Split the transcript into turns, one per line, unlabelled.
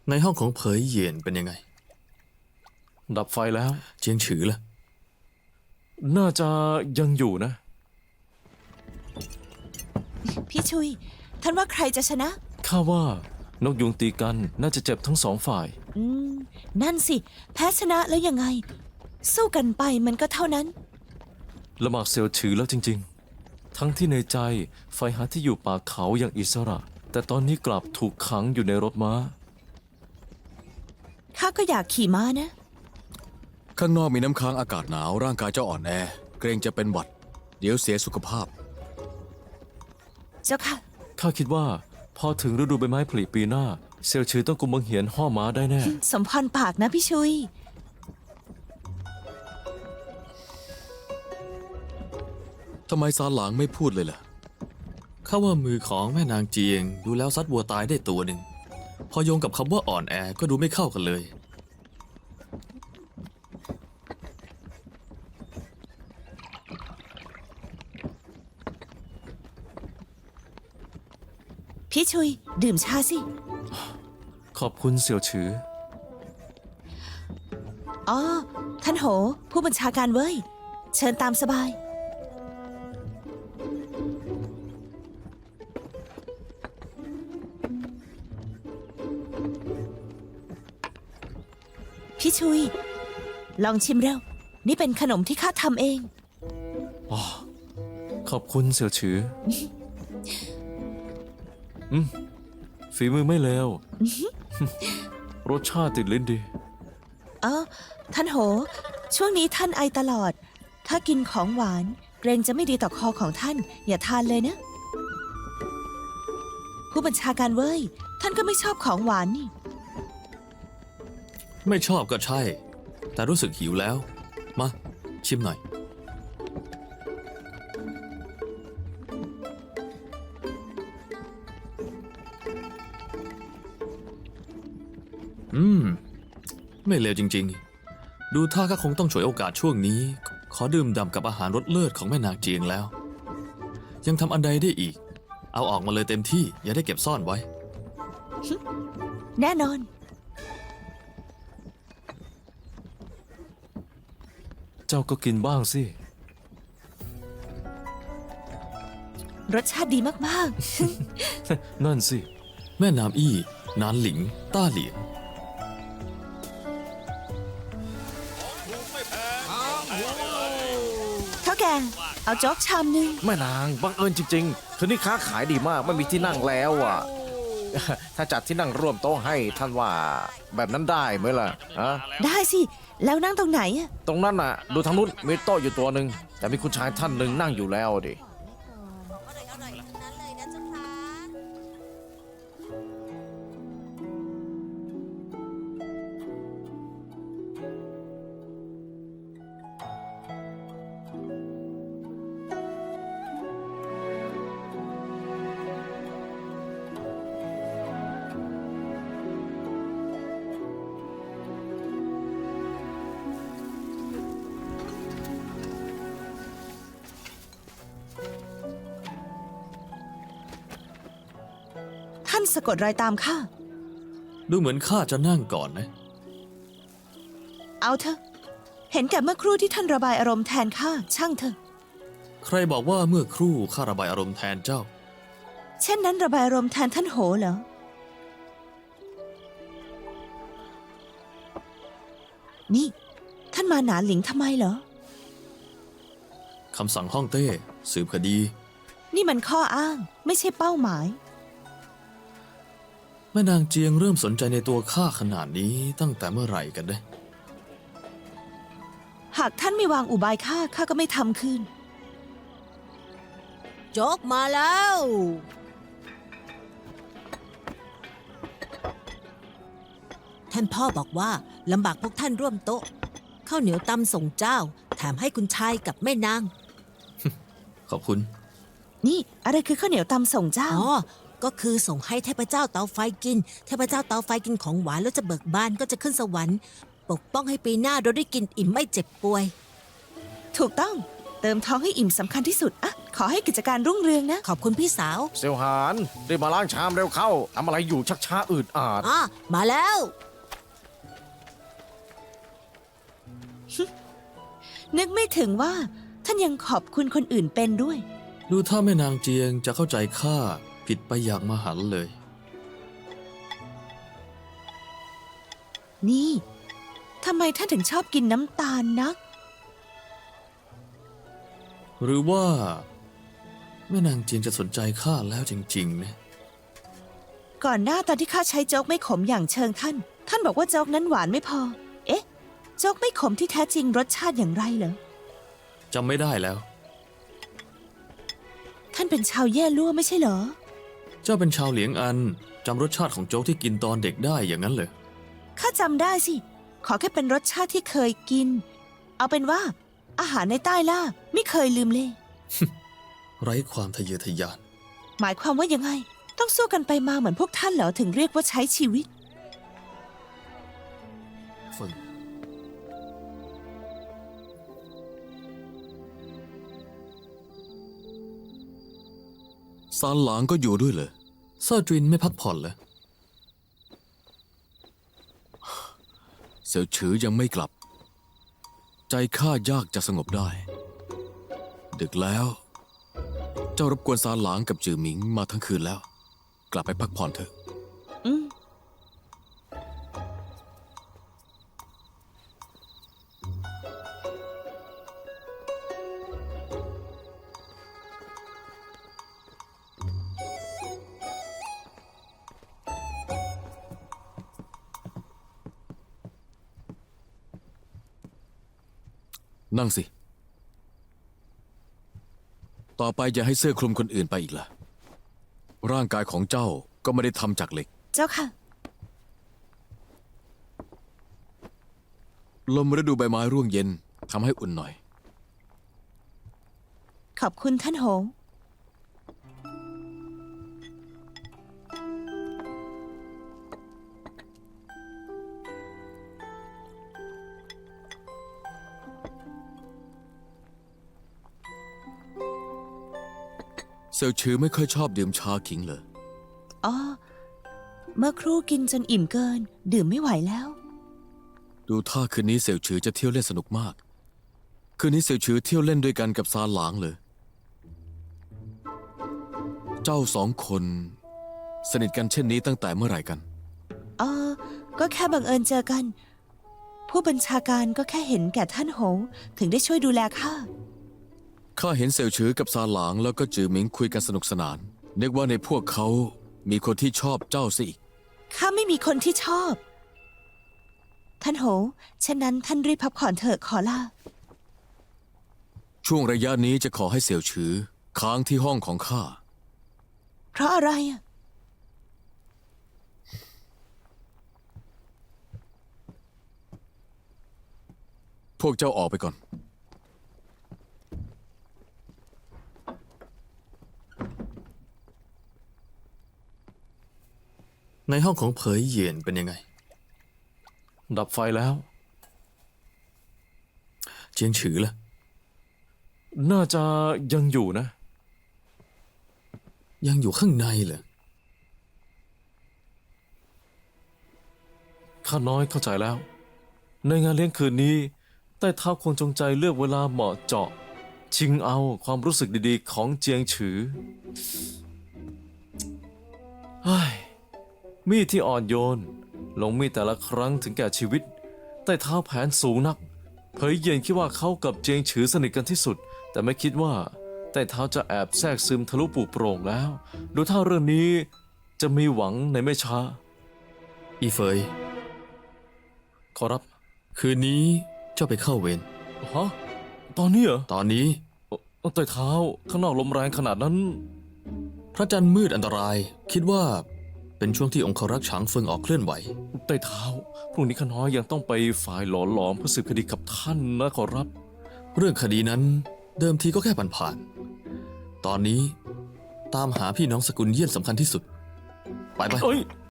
ในห้องของเผยเหยียนเป็นยังไง
ดับไฟแล้ว
เจียงฉือล่ะ
น่าจะยังอยู่นะ
พี่ชุยท่านว่าใครจะชนะ
ข้าว่านกยุงตีกันน่าจะเจ็บทั้งสองฝ่าย
นั่นสิแพ้ชนะแล้วยังไงสู้กันไปมันก็เท่านั้น
ละหมากเซียวฉือแล้วจริงๆทั้งที่ในใจไฟหาที่อยู่ป่าเขาอย่างอิสระแต่ตอนนี้กลับถูกขังอยู่ในรถม้า
ข้าก็อยากขี่ม้านะ
ข้างนอกมีน้ำค้างอากาศหนาวร่างกายเจ้าอ่อนแอเกรงจะเป็นหวัดเดี๋ยวเสียสุขภาพ
เจ้าค่ะ
ข้าคิดว่าพอถึงฤดูใบไม้ผลิปีหน้าเซียวฉือต้องกุมบังเหียนห่อม้าได้แน่
สมพรปากนะพี่ชุย
ทำไมซาหลางไม่พูดเลยล่ะ
ข้าว่ามือของแม่นางเจียงดูแล้วซัดวัวตายได้ตัวหนึ่งพอโยงกับคำว่าอ่อนแอก็ดูไม่เข้ากันเลย
พี่ชุยดื่มชาสิ
ขอบคุณเสี่ยวฉือ
อ๋อท่านโหผู้บัญชาการเว้ยเชิญตามสบายพี่ชุยลองชิมเร็วนี่เป็นขนมที่ข้าทำเอง
อ๋อขอบคุณเสี่ยวฉือฝีมือไม่เลวรสชาติติดลิ้นดี
ท่านโหช่วงนี้ท่านไอตลอดถ้ากินของหวานเกรงจะไม่ดีต่อคอของท่านอย่าทานเลยนะผู้บัญชาการเว้ยท่านก็ไม่ชอบของหวานนี่
ไม่ชอบก็ใช่แต่รู้สึกหิวแล้วมาชิมหน่อยไม่เลวจริงๆดูท่าก็คงต้องฉวยโอกาสช่วงนี้ขอดื่มด่ำกับอาหารรสเลิศของแม่นางเจียงแล้วยังทำอันใดได้อีกเอาออกมาเลยเต็มที่อย่าได้เก็บซ่อนไว้
แน่นอน
เจ้าก็กินบ้างสิ
รสชาติดีมาก
ๆ นั่นสิ
แม่น้ำอี้นานหลิงต้าเหลียน
เท่าแกเอาโจ๊กชามนึง
แม่นางบังเอิญจริงๆคืนนี้ค้าขายดีมากไม่มีที่นั่งแล้วอ่ะถ้าจัดที่นั่งร่วมโต๊ะให้ท่านว่าแบบนั้นได้ไหมล่ะ
ได้สิแล้วนั่งตรงไหนอะ
ตรงนั้นน่ะดูทางนู้นมีโต๊ะอยู่ตัวหนึ่งแต่มีคุณชายท่านหนึ่งนั่งอยู่แล้วดิ
ท่านสะกดรอยตามข้า
ดูเหมือนข้าจะนั่งก่อนนะ
เอาเถอะเห็นแก่เมื่อครู่ที่ท่านระบายอารมณ์แทนข้าช่างเถอะ
ใครบอกว่าเมื่อครู่ข้าระบายอารมณ์แทนเจ้า
เช่นนั้นระบายอารมณ์แทนท่านโหเหรอนี่ท่านมาหนาหลิงทำไมเหรอ
คำสั่งฮ่องเต้สืบคดี
นี่มันข้ออ้างไม่ใช่เป้าหมาย
แม่นางเจียงเริ่มสนใจในตัวข้าขนาดนี้ตั้งแต่เมื่อไหร่กันเนี่ย
หากท่านไม่วางอุบายข้าก็ไม่ทำคืน
โจ๊กมาแล้วท่านพ่อบอกว่าลำบากพวกท่านร่วมโต๊ะข้าวเหนียวตำส่งเจ้าแถมให้คุณชายกับแม่นาง
ขอบคุณ
นี่อะไรคือข้าวเหนียวตำส่งเจ้า
ก็คือส่งให้เทพเจ้าเตาไฟกินเทพเจ้าเตาไฟกินของหวานแล้วจะเบิกบานก็จะขึ้นสวรรค์ปกป้องให้ปีหน้าเราได้กินอิ่มไม่เจ็บป่วย
ถูกต้องเติมท้องให้อิ่มสำคัญที่สุดอะขอให้กิจการรุ่งเรืองนะ
ขอบคุณพี่สาว
เซลหานรีบมาล้างชามเร็วเข้าทำอะไรอยู่ชักช้าอืดอาด
อ่ะ มาแล้ว
นึกไม่ถึงว่าท่านยังขอบคุณคนอื่นเป็นด้วย
ดูถ้าแม่นางเจียงจะเข้าใจข้าผิดไปอย่างมหันต์เลย
นี่ทำไมท่านถึงชอบกินน้ำตาลนัก
หรือว่า แม่นางเจียงจะสนใจข้าแล้วจริงๆนะ
ก่อนหน้าตอนที่ข้าใช้โจ๊กไม่ขมอย่างเชิงท่าน ท่านบอกว่าโจ๊กนั้นหวานไม่พอ เอ๊ะ โจ๊กไม่ขมที่แท้จริงรสชาติอย่างไรเหรอ
จำไม่ได้แล้ว
ท่านเป็นชาวแย่ลั่วไม่ใช่เหรอ
เจ้าเป็นชาวเหลียงอันจำรสชาติของโจ๊กที่กินตอนเด็กได้อย่างนั้นเลย
ข้าจำได้สิ ขอแค่เป็นรสชาติที่เคยกิน เอาเป็นว่า อาหารในใต้ล่าไม่เคยลืมเลย
ไร้ความทะเยอทะยาน
หมายความว่ายังไง ต้องสู้กันไปมาเหมือนพวกท่านเหรอถึงเรียกว่าใช้ชีวิต
ฝึง
ซานหลางก็อยู่ด้วยเหรอ
เซอร์จินไม่พักผ่อนเลย
เสี่ยวฉือยังไม่กลับ ใจข้ายากจะสงบได้ ดึกแล้ว เจ้ารบกวนซานหลางกับจือหมิงมาทั้งคืนแล้ว กลับไปพักผ่อนเถอะ
อืม
นั่งสิ ต่อไปอย่าให้เสื้อคลุมคนอื่นไปอีกล่ะ ร่างกายของเจ้าก็ไม่ได้ทำจากเหล็ก
เจ้าค่ะ
ลมฤดูใบไม้ร่วงเย็นทำให้อุ่นหน่อย
ขอบคุณท่านโหง
เสี่ยวฉือไม่ค่อยชอบดื่มชาขิงเลย
อ๋อ เมื่อครู่กินจนอิ่มเกิน ดื่มไม่ไหวแล้ว
ดูท่าคืนนี้เสี่ยวฉือจะเที่ยวเล่นสนุกมาก คืนนี้เสี่ยวฉือเที่ยวเล่นด้วยกันกับซานหลางเลย เจ้าสองคนสนิทกันเช่นนี้ตั้งแต่เมื่อไหร่กัน
อ๋อ ก็แค่บังเอิญเจอกัน ผู้บัญชาการก็แค่เห็นแก่ท่านโหงถึงได้ช่วยดูแลข้า
ข้าเห็นเสี่ยวฉือกับซานหลางแล้วก็จือหมิงคุยกันสนุกสนานนึกว่าในพวกเขามีคนที่ชอบเจ้าสิอีก
ข้าไม่มีคนที่ชอบ ท่านโหฉะนั้นท่านรีบพักผ่อนเถอะขอลา
ช่วงระยะนี้จะขอให้เสี่ยวฉือค้างที่ห้องของข้า
เพราะอะไรอ่ะ
พวกเจ้าออกไปก่อน
ในห้องของเผยเหยียนเป็นยังไง
ดับไฟแล้ว
เจียงฉือล่ะ
น่าจะยังอยู่นะ
ยังอยู่ข้างในเหรอ
ข้าน้อยเข้าใจแล้ว ในงานเลี้ยงคืนนี้ใต้เท้าคงจงใจเลือกเวลาเหมาะเจาะ ชิงเอาความรู้สึกดีๆของเจียงฉือเฮ้ยมีดที่อ่อนโยน ลงมีดแต่ละครั้งถึงแก่ชีวิต ใต้เท้าแผนสูงนัก เผยเย็นคิดว่าเขากับเจียงฉือสนิทกันที่สุด แต่ไม่คิดว่าใต้เท้าจะแอบแทรกซึมทะลุปูโปร่งแล้ว ดูท่าเรื่องนี้จะมีหวังในไม่ช้า
อีเฟย
ขอรับ
คืนนี้เจ้าไปเข้าเวร
ฮะตอนนี้เหรอ
ตอนนี้
ใต้เท้าข้างนอกลมแรงขนาดนั้น
พระจันทร์มืดอันตราย คิดว่าเป็นช่วงที่องครักษ์ฉางเฟิงออกเคลื่อนไหว
ใต้เท้าพรุ่งนี้ข้าน้อยยังต้องไปฝ่ายหลอหลอมเพื่อสืบคดีกับท่านนะขอรับ
เรื่องคดีนั้นเดิมทีก็แค่ผ่านๆ ตอนนี้ตามหาพี่น้องสกุลเยี่ยนสำคัญที่สุด ไป
เอ้ย